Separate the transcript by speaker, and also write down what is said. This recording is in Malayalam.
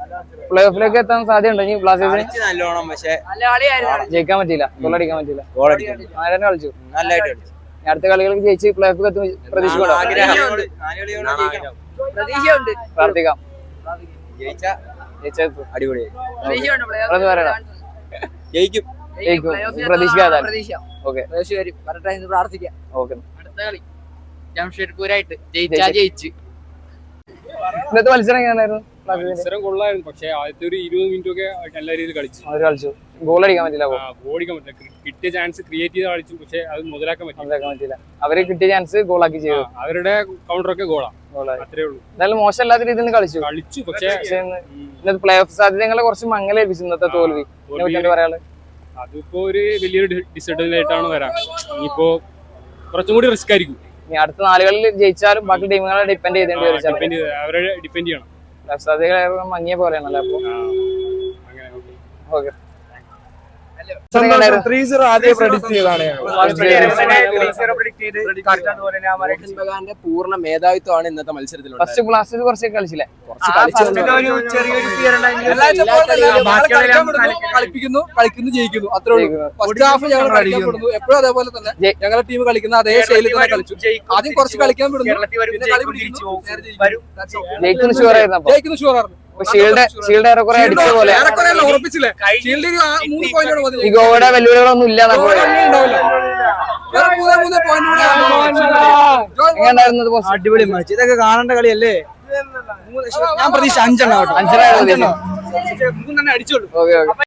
Speaker 1: പ്ലേ ഓഫിലേക്ക് എത്താൻ സാധ്യതയുണ്ടോ ഇനി ബ്ലാസ്റ്റേഴ്സിന്?
Speaker 2: നല്ലോണം, പക്ഷേ
Speaker 1: ജയിക്കാൻ പറ്റില്ല, ഗോളടിക്കാൻ പറ്റില്ല. ആരെ കളിച്ചു
Speaker 2: നല്ലതായിട്ട് കളിച്ചു.
Speaker 1: അടുത്ത കളികൾക്ക് ജയിച്ച് പ്ലേ ഓഫിൽ എത്തും പ്രതീക്ഷിക്കണോ? പ്രാർത്ഥിക്കാം.
Speaker 2: അടിപൊളിയായി
Speaker 1: ജയിക്കും, പ്രതീക്ഷിക്കാതെ. ഓക്കെ,
Speaker 3: പ്രാർത്ഥിക്കാം.
Speaker 1: ഓക്കെ.
Speaker 3: ജംഷഡ്പൂരായിട്ട് ജയിച്ചാ ജയിച്ചു.
Speaker 1: ഇന്നത്തെ മത്സരം എങ്ങനെയായിരുന്നു?
Speaker 4: മത്സരം കൊള്ളായിരുന്നു, പക്ഷേ ആദ്യത്തെ ഒരു 20 മിനിറ്റ് ഒക്കെ നല്ല രീതിയിൽ
Speaker 1: കളിച്ചു. ഗോൾ അടിക്കാൻ പറ്റില്ല,
Speaker 4: ഓടിക്കാൻ പറ്റില്ല. കിട്ടിയ ചാൻസ് ക്രിയേറ്റ് ചെയ്ത് കളിച്ചു, പക്ഷെ അത് മുതലാക്കാൻ പറ്റില്ല.
Speaker 1: അവര് കിട്ടിയ ചാൻസ് ഗോളാക്കി ചെയ്തു.
Speaker 4: അവരുടെ കൗണ്ടറൊക്കെ ഗോളാണ്, അത്രേ ഉള്ളൂ.
Speaker 1: എന്നാലും മോശമല്ലാത്ത രീതിയിൽ കളിച്ചു.
Speaker 4: പക്ഷേ
Speaker 1: ഇന്നത്തെ പ്ലേ ഓഫ് സാധ്യതകളെ കുറച്ച് മങ്ങലേൽപ്പിച്ചു ഇന്നത്തെ തോൽവി. പറയാനുള്ളത്
Speaker 4: അതിപ്പോ ഒരു വലിയൊരു ഡിസഡ്വാൻറ്റേജ് ആയിട്ടാണ് വരാം. ഇനിയിപ്പോ കുറച്ചും കൂടി റിസ്ക് ആയിരിക്കും.
Speaker 1: ഇനി അടുത്ത 4 കളിൽ ജയിച്ചാലും ബാക്കി ടീമുകളെ ഡിപ്പെൻഡ് ചെയ്തേണ്ടി വരും.
Speaker 4: അവരെ ഡിപ്പെൻഡ് ചെയ്യണം.
Speaker 1: സാധ്യതകൾ മങ്ങിയ പോലെയാണല്ലോ. അപ്പൊ ഓക്കെ,
Speaker 5: 3-0 ആദ്യം പ്രഡിക്ട് ചെയ്തതാണ്.
Speaker 2: പൂർണ്ണ മേധാവിത്വമാണ് ഇന്നത്തെ മത്സരത്തിൽ.
Speaker 1: ഫസ്റ്റ് ബ്ലാസ്റ്റേഴ്സ് കുറച്ചൊക്കെ കളിച്ചില്ലേ?
Speaker 3: കളിക്കുന്നു ജയിക്കുന്നു, അത്രേ ഉള്ളൂ. ഫസ്റ്റ് ഹാഫ് ഞങ്ങൾ കളിക്കാൻ വിടുന്നു, എപ്പോഴും അതേപോലെ തന്നെ ഞങ്ങളുടെ ടീം കളിക്കുന്ന അതേ ശൈലിയിൽ തന്നെ കളിച്ചു. ആദ്യം കുറച്ച് കളിക്കാൻ വിടുന്നു, പിന്നെ കളി പിടിക്കുന്നു,
Speaker 1: ജയിക്കുന്ന ഷുവർ ആയിരുന്നു.
Speaker 3: ജയിക്കുന്നു ഷുവർ ആയിരുന്നു.
Speaker 1: ഷീൽഡ് ഏറെക്കുറെ അടിച്ച പോലെ
Speaker 3: ഉറപ്പിച്ചില്ലേ? ഷീൽഡിൽ 3 പോയിന്റ്
Speaker 1: ഈ ഗോവയുടെ വെല്ലുവിളികളൊന്നും ഇല്ല.
Speaker 2: അടിപൊളി മാച്ച്, ഇതൊക്കെ കാണേണ്ട കളിയല്ലേ? ഞാൻ പ്രതീക്ഷ 5
Speaker 1: അടിച്ചോളൂ.